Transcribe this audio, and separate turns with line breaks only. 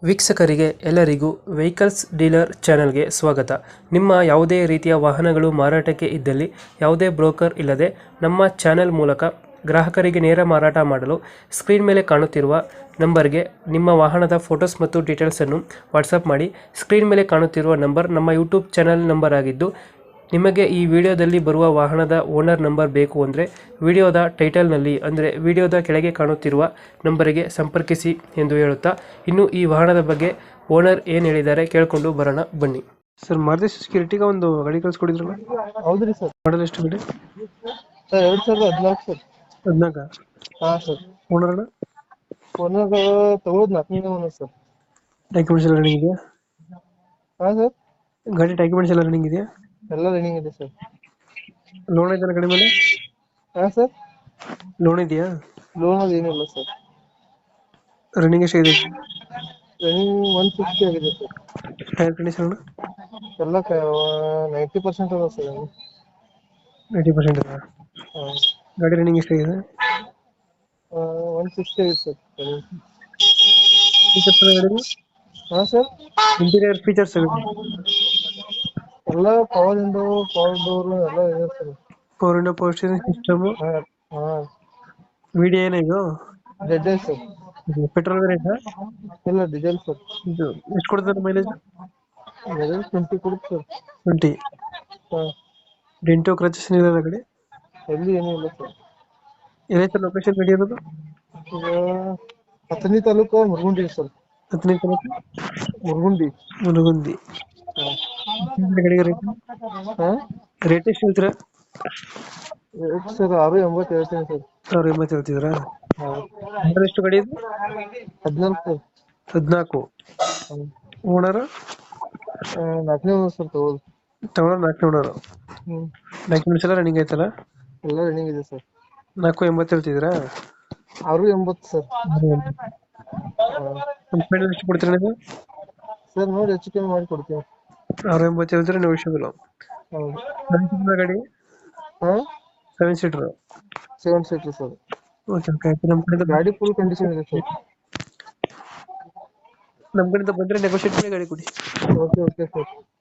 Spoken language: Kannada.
ವೀಕ್ಷಕರಿಗೆ ಎಲ್ಲರಿಗೂ ವೆಹಿಕಲ್ಸ್ ಡೀಲರ್ ಚಾನೆಲ್ಗೆ ಸ್ವಾಗತ. ನಿಮ್ಮ ಯಾವುದೇ ರೀತಿಯ ವಾಹನಗಳು ಮಾರಾಟಕ್ಕೆ ಇದ್ದಲ್ಲಿ ಯಾವುದೇ ಬ್ರೋಕರ್ ಇಲ್ಲದೆ ನಮ್ಮ ಚಾನೆಲ್ ಮೂಲಕ ಗ್ರಾಹಕರಿಗೆ ನೇರ ಮಾರಾಟ ಮಾಡಲು ಸ್ಕ್ರೀನ್ ಮೇಲೆ ಕಾಣುತ್ತಿರುವ ನಂಬರ್ಗೆ ನಿಮ್ಮ ವಾಹನದ ಫೋಟೋಸ್ ಮತ್ತು ಡೀಟೇಲ್ಸನ್ನು ವಾಟ್ಸಪ್ ಮಾಡಿ. ಸ್ಕ್ರೀನ್ ಮೇಲೆ ಕಾಣುತ್ತಿರುವ ನಂಬರ್ ನಮ್ಮ ಯೂಟ್ಯೂಬ್ ಚಾನೆಲ್ ನಂಬರ್ ಆಗಿದ್ದು, ನಿಮಗೆ ಈ ವಿಡಿಯೋದಲ್ಲಿ ಬರುವ ವಾಹನದ ಓನರ್ ನಂಬರ್ ಬೇಕು ಅಂದರೆ ವಿಡಿಯೋದ ಟೈಟಲ್ನಲ್ಲಿ ಅಂದರೆ ವಿಡಿಯೋದ ಕೆಳಗೆ ಕಾಣುತ್ತಿರುವ ನಂಬರಿಗೆ ಸಂಪರ್ಕಿಸಿ ಎಂದು ಹೇಳುತ್ತಾ, ಇನ್ನು ಈ ವಾಹನದ ಬಗ್ಗೆ ಓನರ್ ಏನು ಹೇಳಿದ್ದಾರೆ ಕೇಳಿಕೊಂಡು ಬರೋಣ ಬನ್ನಿ. ಸರ್, ಮಾರುತಿ ಸುಜುಕಿ ಒಂದು ಗಾಡಿ ಕಳಿಸ್ಕೊಡಿದ್ರಲ್ಲ?
ಹೌದ್ರಿ ಸರ್.
ಮಾಡಲ್ ಎಷ್ಟು ಗಾಡಿ?
Sir 2014 sir.
14?
ಹಾಂ ಸರ್.
ಓನರ್ ಅಣ್ಣ?
ಓನರ್ ತಗೊಳ್ಳೋದು 4ನೇ ಓನರ್ ಸರ್.
ಡಾಕ್ಯುಮೆಂಟ್ಸ್ ಎಲ್ಲ ರನ್ನಿಂಗ್ ಇದೆಯಾ?
ಹಾಂ ಸರ್.
ಗಾಡಿ ಡಾಕ್ಯುಮೆಂಟ್ಸ್ ಎಲ್ಲ ರನ್ನಿಂಗ್ ಇದೆಯಾ?
ಎಲ್ಲ ರನ್ನಿಂಗ್ ಇದೆ ಸರ್.
ಲೋನ್ ಇದೆಯಾ ಗಾಡಿ ಮೇಲೆ?
ಹಾಂ ಸರ್.
ಲೋನ್ ಇದೆಯಾ?
ಲೋನ್ ಅದು ಏನಿಲ್ಲ ಸರ್.
ರನ್ನಿಂಗ್ ಎಷ್ಟಾಗಿದೆ?
ರನ್ನಿಂಗ್ 150 ಆಗಿದೆ ಸರ್.
ಟೈರ್ ಕಂಡೀಷನ್
ಎಲ್ಲ 90% ಅದ ಸರ್.
90% ಇದೆ.
ಹಾಂ.
ಗಾಡಿ ರನ್ನಿಂಗ್ ಎಷ್ಟಾಗಿದೆ?
160 ಆಗಿದೆ ಸರ್ ರನ್ನಿಂಗ್.
ಫೀಚರ್ಸ್ ಗಾಡಿ?
ಹಾಂ ಸರ್.
ಇಂಟೀರಿಯರ್ ಫೀಚರ್ಸ್
ಎಲ್ಲ ಪವರ್ ವಿಂಡೋ, ಪವರ್ ಡೋರ್ ಎಲ್ಲ ಇದೆ sir.
Power window, power steering system,
ಹಾಂ ಹಾಂ.
ವಿಡಿಯೋ ಏನ ಇದು?
Dead sir.
Petrol variant?
ಇಲ್ಲ ಡೀಸೆಲ್ ಸರ್.
ಇದು ಎಷ್ಟು ಕೊಡ್ತದೆ ಮೈಲೇಜ್?
20 ಕೊಡುತ್ತೆ ಸರ್.
20?
ಹಾಂ.
ಡೆಂಟೋ ಕ್ರಚಸ್ ಏನಿಲ್ಲ ಗಾಡಿ?
ಎಲ್ಲಿ ಏನೂ ಇಲ್ಲ ಸರ್.
ಏನೈತೆ ಲೊಕೇಶನ್ ಗಾಡಿ ಇರೋದು?
ಈಗ ಹತ್ತನೇ ತಾಲೂಕು ಮುರಗುಂಡಿ ಸರ್.
10ನೇ ತಾಲೂಕು
ಮುರಗುಂಡಿ.
ಮುನಗುಂದಿ. ಗಾಡಿಗೆ ರೇಟ್
ಹಾಂ.
ರೇಟ್ ಎಷ್ಟು ಹೇಳ್ತೀರಾ?
ಸರ್ 680 ಹೇಳ್ತೀನಿ ಸರ್.
680 ಹೇಳ್ತಿದ್ರಾ?
ಹಾಂ.
ಮಾಡಲ್ ಎಷ್ಟು ಗಾಡಿ ಇದು?
14 ಸರ್.
14?
ಹಾಂ.
ಓನರ್?
4ನೇ ಓನರ್ ಸರ್ ತಗೊಳ್ಳೋದು.
ತಗೊಳ್ಳೋ 4ನೇ ಓನರ್.
ಹ್ಞೂ.
ಡಾಕ್ಯುಮೆಂಟ್ಸ್ ಎಲ್ಲ ರನ್ನಿಂಗ್ ಐತಲ್ಲ?
ಎಲ್ಲ ರನ್ನಿಂಗ್ ಇದೆ ಸರ್.
480 ಹೇಳ್ತಿದ್ರಾ?
680 ಸರ್. ಹಾಂ.
ಫೈನಲ್ ಎಷ್ಟು ಕೊಡ್ತೀರಾ ನೀವು?
ಸರ್ ನೋಡಿ ಹೆಚ್ಚು ಕಮ್ಮಿ ಮಾಡಿ ಕೊಡ್ತೀನಿ.
680 ಹೇಳ್ತೀರಾ ನೆಗೋಷಿಯಬಲ್?
ಹೌದು.
7 ಸೀಟರ್ ಗಾಡಿ?
ಹಾಂ.
7 seater?
7 seater sir.
Okay okay. ನಮ್ಮ ಕಡೆಯಿಂದ
ಗಾಡಿ ಫುಲ್ ಕಂಡೀಷನ್ ಇದೆ ಸರ್.
ನಮ್ಮ ಕಡೆಯಿಂದ ಬಂದರೆ ನೆಗೋಷಿಯೇಟ್ ಮಾಡಿ ಗಾಡಿ ಕೊಡಿ.
Okay okay sir.